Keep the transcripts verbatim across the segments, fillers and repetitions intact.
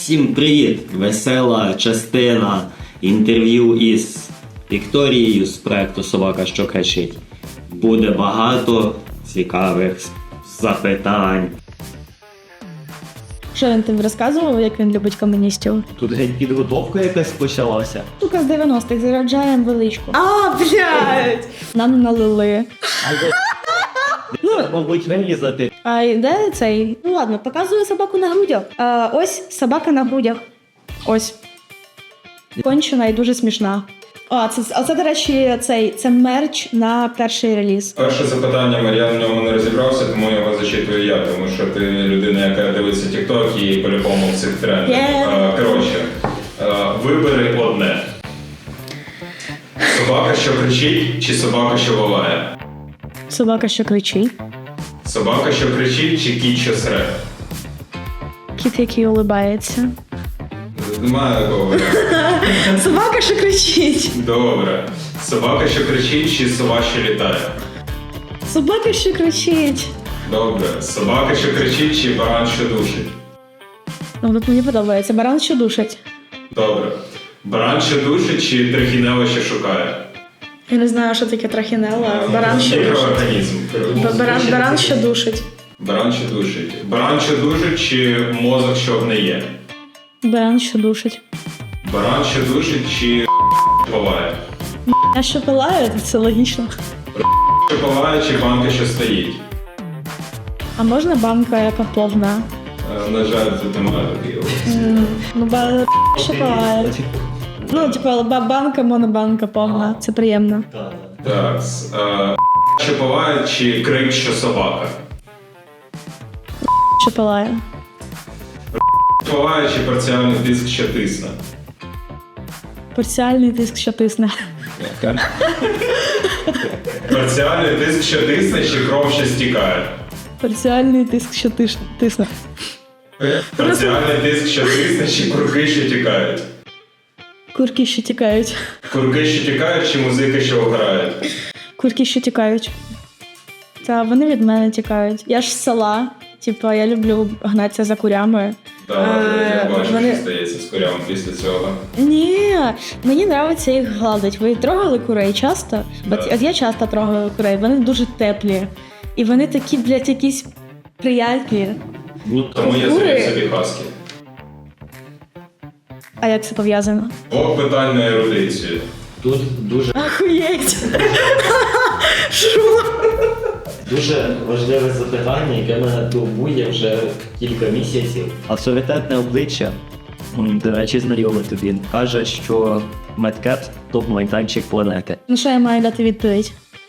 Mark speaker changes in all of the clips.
Speaker 1: Всім привіт! Весела частина інтерв'ю із Вікторією з проекту «Собака, що кричить». Буде багато цікавих запитань.
Speaker 2: Що він тобі розказував, як він любить комуністів?
Speaker 1: Тут геть підготовка якась почалася.
Speaker 2: Сука, з дев'яностих заряджаємо величку. А, блядь! Нам налили.
Speaker 1: Ну, мабуть, вирізати.
Speaker 2: А де цей? Ну ладно, показую собаку на грудях. А, ось собака на грудях. Ось. Кончена і дуже смішна. А, це, а це, до речі, цей, це мерч на перший реліз.
Speaker 3: Перше запитання, я в ньому не розібрався, тому його зачитую я, тому що ти людина, яка дивиться TikTok і по-любому в цих трендах.
Speaker 2: Yeah.
Speaker 3: Коротше, вибери одне. Собака, що кричить, чи собака, що волає?
Speaker 2: Собака, що кричить.
Speaker 3: Собака, що кричить, чи кіт, що сре?
Speaker 2: Кіт, який улибається.
Speaker 3: Немає такого варіанту.
Speaker 2: Собака, що кричить.
Speaker 3: Добре. Собака, що кричить, чи сова, що літає?
Speaker 2: Собака, що кричить.
Speaker 3: Добре. Собака, що кричить, чи баран, що душить?
Speaker 2: Ну, тут мені подобається. Баран, що душить.
Speaker 3: Добре. Баран, що душить, чи трихінело, що шукає?
Speaker 2: Я не знаю, що таке трахінелла. Баран, що душить.
Speaker 3: Мікроорганізм.
Speaker 2: Баран, баран, що душить.
Speaker 3: Баран, що душить. Баран, що душить, чи мозок, що гниє?
Speaker 2: Баран, що душить.
Speaker 3: Баран, що душить, чи поває?
Speaker 2: А що пилає, це логічно.
Speaker 3: Що поває, чи банка, що стоїть?
Speaker 2: А можна банка, яка повна?
Speaker 3: Е, На жаль, це немає такої опції.
Speaker 2: Mm, ну, ба... що пилає. Ну, типу, ба- банка, монобанка повна. Це приємно.
Speaker 3: Так. е, Що поває, чи крик, що собака?
Speaker 2: Що пилає.
Speaker 3: Поває, чи парціальний тиск, що тисне?
Speaker 2: Парціальний тиск, що тисне.
Speaker 3: Парціальний тиск, що тисне, чи кров, що стікає?
Speaker 2: Парціальний тиск, що тиш... тисне.
Speaker 3: Парціальний тиск, що тисне, чи курки, що тікають?
Speaker 2: Курки, що тікають.
Speaker 3: Курки, що тікають, чи музики, що грають?
Speaker 2: Курки, що тікають. Та вони від мене тікають. Я ж з села. Типу, я люблю гнатися за курями.
Speaker 3: Так,
Speaker 2: Е,
Speaker 3: я бачу,
Speaker 2: вони-
Speaker 3: що стається з курям після цього.
Speaker 2: Ні, мені подобається їх гладити. Ви трогали курей часто?
Speaker 3: Да.
Speaker 2: От, от я часто трогаю курей, вони дуже теплі. І вони такі, блядь, якісь приятні.
Speaker 1: Ну,
Speaker 3: Тому я
Speaker 2: Кури?
Speaker 3: завів собі хаски.
Speaker 2: А як це пов'язано?
Speaker 3: Блок питань на ерудицію.
Speaker 1: тут дуже,
Speaker 2: Охуєть! Що?
Speaker 1: дуже важливе запитання, яке мене турбує вже кілька місяців. Авторитетне обличчя, м, до речі, знайоме тобі, каже, що Медкет – топ-майданчик планети.
Speaker 2: Ну що я маю дати відповідь?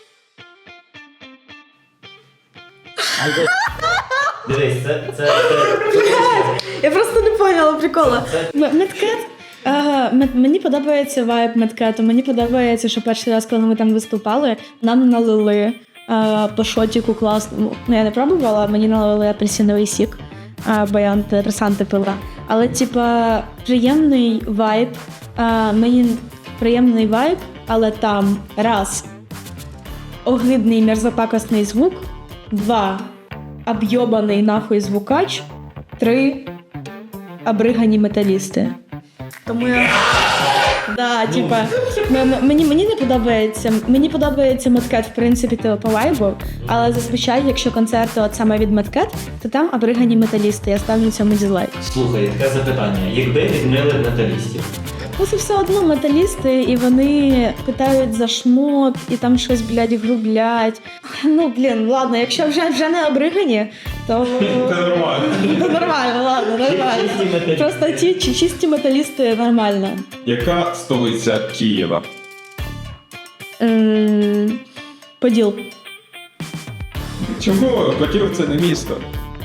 Speaker 1: Дивись, це... це,
Speaker 2: Я просто не поняла прикола. Медкет? Ага, мед- мені подобається вайб Медкету. Мені подобається, що перший раз, коли ми там виступали, нам налили а, по шотіку класному. Ну, я не пробувала, мені налили апельсиновий сік, а, бо я антидепресанти пила. Але, типа, приємний вайб. А, мені приємний вайб, але там раз огидний мерзопакосний звук, два об'єбаний нахуй звукач, три обригані металісти. Тому я... Да, типа, м- м- мені, мені не подобається, мені подобається Медкет, в принципі, типу, по вайбу, але зазвичай, якщо концерти от саме від Медкет, то там обригані металісти, я ставлю цьому дизлайк.
Speaker 1: Слухай, таке запитання. Якби відмили металістів?
Speaker 2: Ну, це все одно металісти, і вони питають за шмот, і там щось, блядь, грублять. Ну, блін, ладно, якщо вже, вже не обригані, то...
Speaker 3: Це нормально.
Speaker 2: То нормально, ладно, нормально.
Speaker 1: Чисті металісти.
Speaker 2: Просто ті чи- чисті металісти нормально.
Speaker 3: Яка столиця Києва?
Speaker 2: Ем, Поділ.
Speaker 3: Чому? Київ це не місто.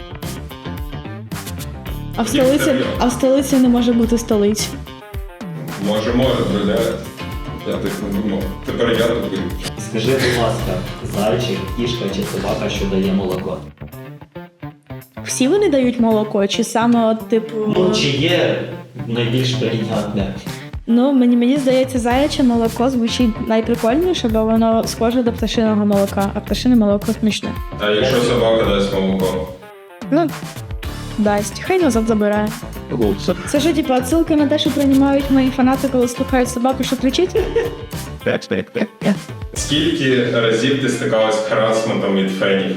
Speaker 2: А в столиці, а в столиці не може бути столиць.
Speaker 3: Може, може, друзі. Я так не думав. Тепер я тут буду.
Speaker 1: Скажи, будь ласка, зайчик, кішка чи собака, що дає молоко?
Speaker 2: Всі вони дають молоко, чи саме от типу.
Speaker 1: Ну, чи є найбільш прийнятне?
Speaker 2: Ну, мені, мені здається, заяче молоко звучить найприкольніше, бо воно схоже до пташиного молока, а пташине молоко смішне.
Speaker 3: А якщо собака дасть молоко?
Speaker 2: Ну, дасть. Хай назад забирає.
Speaker 1: Лучше.
Speaker 2: Це ж, типу, отсилка на те, що приймають мої фанати, коли слухають собаку, що кричить?
Speaker 1: Так, так, так.
Speaker 3: Скільки разів ти стикалась з харасментом від фенів?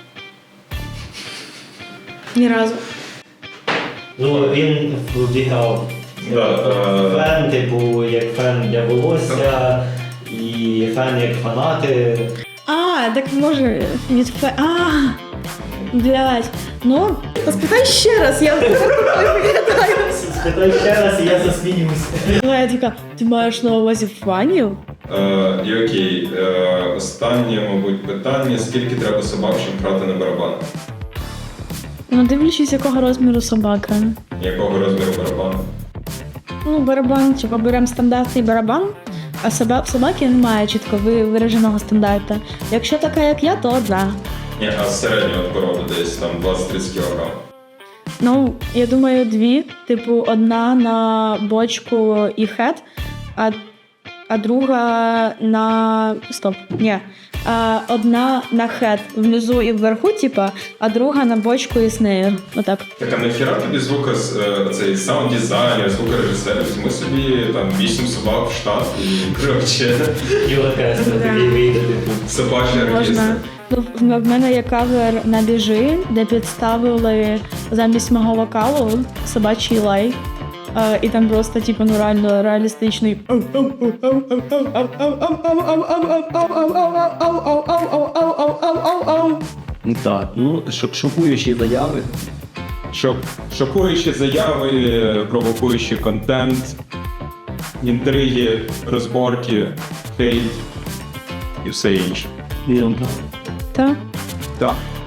Speaker 2: Ні разу.
Speaker 1: Ну, він вбігав
Speaker 3: Да, е,
Speaker 1: фен, типу, як фен для волосся, і фен як фанати.
Speaker 2: А, так може від фе... А, блядь. Ну, спитай ще раз, я не виглядаю.
Speaker 1: Спитай ще раз, і я засміюсь.
Speaker 2: Я така, ти маєш на увазі фанів?
Speaker 3: Е, і окей, е, останнє, мабуть, питання. Скільки треба собак, щоб грати на барабанах?
Speaker 2: Ну, дивлячись, якого розміру собака.
Speaker 3: Якого розміру барабану?
Speaker 2: Ну, барабан, типу, беремо стандартний барабан, а соба... собаки немає чітко ви- вираженого стандарту. Якщо така, як я, то одна.
Speaker 3: Ні, а середнього породи десь там двадцять-тридцять кілограм.
Speaker 2: Ну, я думаю, дві. Типу, одна на бочку і хет, а, а друга на. Стоп. Ні. А, одна на хет внизу і вверху, типа, а друга на бочку і снейр. Отак.
Speaker 3: Так, а нахіра тобі звука, цей саунд-дизайнер, звукорежисер, візьми собі там вісім собак в штат і коротше,
Speaker 1: І оркестр
Speaker 2: Да.
Speaker 1: такий вийде, типу.
Speaker 3: собачий оркестр.
Speaker 2: Можна. Ну, в в мене є кавер на біжи, де підставили замість мого вокалу собачий лай. Е, і там просто, типу, ну реально реалістичний.
Speaker 1: Так, ну, щоб шокуючі заяви.
Speaker 3: Щоб шокуючі заяви, провокуючий контент, інтриги, розборки, хейт і все інше.
Speaker 1: Вірно.
Speaker 2: Та?
Speaker 3: Так.